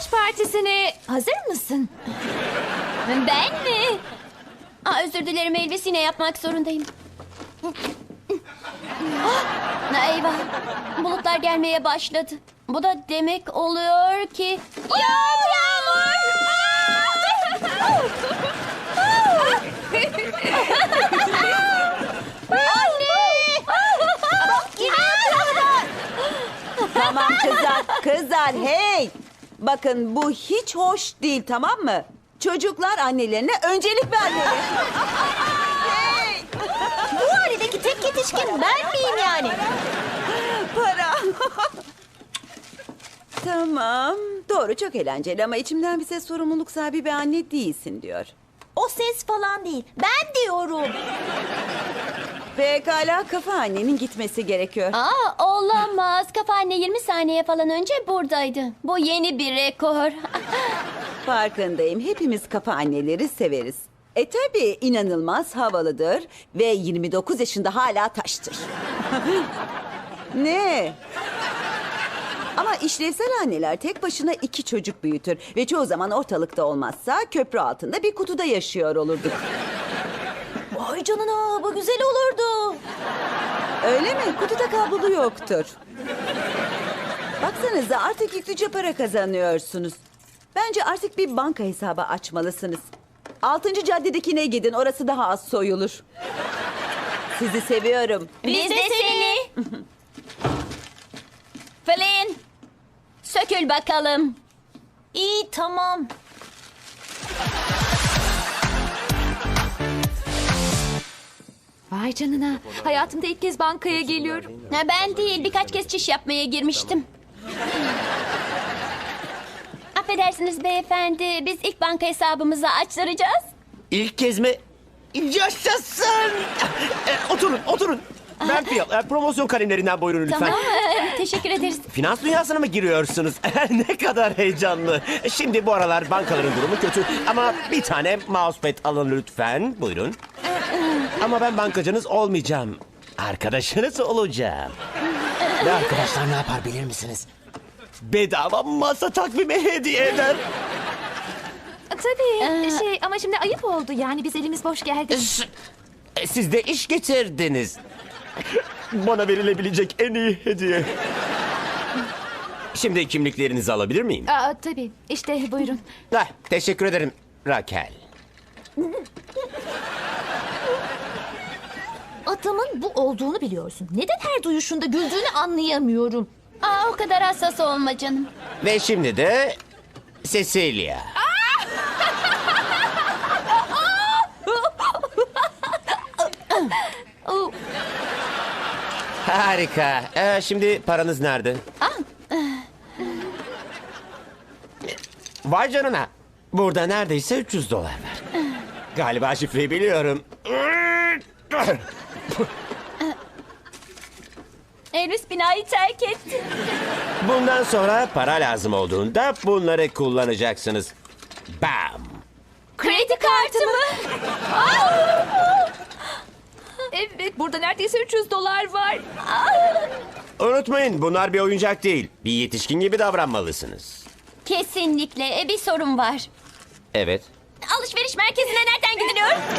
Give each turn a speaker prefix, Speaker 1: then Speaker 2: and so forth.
Speaker 1: yılbaşı partisine hazır mısın?
Speaker 2: Ben mi? Özür dilerim Elvis, yine yapmak zorundayım. Eyvah. Bulutlar gelmeye başladı. Bu da demek oluyor ki... Yağmur!
Speaker 3: Tamam kızlar hey! Bakın bu hiç hoş değil, tamam mı? Çocuklar annelerine öncelik vermeli.
Speaker 2: Bu harideki tek yetişkin ben miyim yani?
Speaker 3: Para. Tamam, doğru, çok eğlenceli ama içimden bize sorumluluk sahibi bir anne değilsin diyor.
Speaker 2: O ses falan değil. Ben diyorum.
Speaker 3: Pekala, kafa annenin gitmesi gerekiyor.
Speaker 2: Olamaz. Kafa anne 20 saniye falan önce buradaydı. Bu yeni bir rekor.
Speaker 3: Farkındayım, hepimiz kafa anneleri severiz. Tabii inanılmaz havalıdır ve 29 yaşında hala taştır. Ne? Ama işlevsel anneler tek başına 2 çocuk büyütür ve çoğu zaman ortalıkta olmazsa köprü altında bir kutuda yaşıyor olurduk.
Speaker 2: Vay canına, bu güzel olurdu.
Speaker 3: Öyle mi? Kutuda kablolu yoktur. Baksanıza, artık yüklüce para kazanıyorsunuz. Bence artık bir banka hesabı açmalısınız. 6. caddedekine gidin, orası daha az soyulur. Sizi seviyorum.
Speaker 2: Biz de seni. Flynn, sökül bakalım. İyi, tamam.
Speaker 1: Vay canına. Hayatımda ilk kez bankaya geliyorum.
Speaker 2: Ben değil, birkaç kez çiş yapmaya girmiştim. Affedersiniz beyefendi, biz ilk banka hesabımızı açtıracağız.
Speaker 4: İlk kez mi? Yaşasın! Oturun. Ben promosyon kalemlerinden buyurun lütfen.
Speaker 2: Tamam, teşekkür ederiz.
Speaker 4: Finans dünyasına mı giriyorsunuz? Ne kadar heyecanlı. Şimdi bu aralar bankaların durumu kötü. Ama bir tane mousepad alın lütfen. Buyurun. Ama ben bankacınız olmayacağım. Arkadaşınız olacağım. Ve arkadaşlar ne yapar bilir misiniz? Bedava masa takvimi hediye eder.
Speaker 1: Tabii. Ama şimdi ayıp oldu. Yani biz elimiz boş geldik.
Speaker 4: Siz de iş getirdiniz. Bana verilebilecek en iyi hediye. Şimdi kimliklerinizi alabilir miyim?
Speaker 1: Tabii. İşte buyurun.
Speaker 4: Teşekkür ederim Raquel.
Speaker 5: Adamın bu olduğunu biliyorsun. Neden her duyuşunda güldüğünü anlayamıyorum.
Speaker 2: O kadar hassas olma canım.
Speaker 4: Ve şimdi de Cecilia. Harika. Şimdi paranız nerede? Vay canına. Burada neredeyse 300 dolar var. Galiba şifreyi biliyorum.
Speaker 2: Elvis binayı terk etti.
Speaker 4: Bundan sonra para lazım olduğunda bunları kullanacaksınız. Bam!
Speaker 2: Kredi kartı mı?
Speaker 1: Evet, burada neredeyse 300 dolar var.
Speaker 4: Unutmayın, bunlar bir oyuncak değil. Bir yetişkin gibi davranmalısınız.
Speaker 2: Kesinlikle. Bir sorun var.
Speaker 4: Evet.
Speaker 2: Alışveriş merkezine nereden gidiliyor?